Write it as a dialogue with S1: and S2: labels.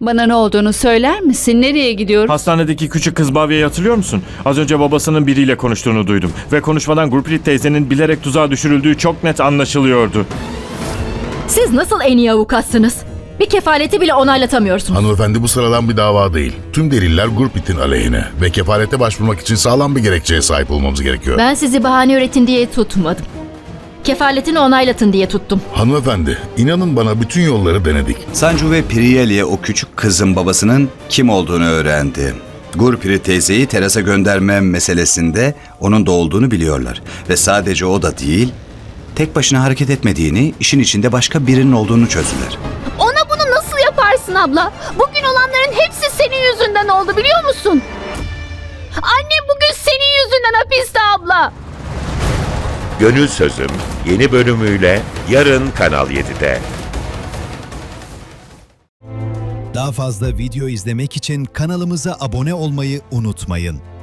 S1: Bana ne olduğunu söyler misin? Nereye gidiyoruz?
S2: Hastanedeki küçük kız Bhavya'yı hatırlıyor musun? Az önce babasının biriyle konuştuğunu duydum. Ve konuşmadan Gurpreet teyzenin bilerek tuzağa düşürüldüğü çok net anlaşılıyordu.
S3: Siz nasıl en iyi avukatsınız? Bir kefaleti bile onaylatamıyorsunuz.
S4: Hanımefendi, bu sıradan bir dava değil. Tüm deliller Gurpreet'in aleyhine ve kefalete başvurmak için sağlam bir gerekçeye sahip olmamız gerekiyor.
S3: Ben sizi bahane üretin diye tutmadım. Kefaletini onaylatın diye tuttum.
S4: Hanımefendi, inanın bana bütün yolları denedik.
S5: Sancu ve Priyali'ye o küçük kızın babasının kim olduğunu öğrendi. Gurpreet teyzeyi terasa gönderme meselesinde onun da olduğunu biliyorlar. Ve sadece o da değil, tek başına hareket etmediğini, işin içinde başka birinin olduğunu çözdüler.
S6: Ona bunu nasıl yaparsın abla? Bugün olanların hepsi senin yüzünden oldu biliyor musun? Annem bugün senin yüzünden hapiste abla.
S7: Gönül Sözüm yeni bölümüyle yarın Kanal 7'de.
S8: Daha fazla video izlemek için kanalımıza abone olmayı unutmayın.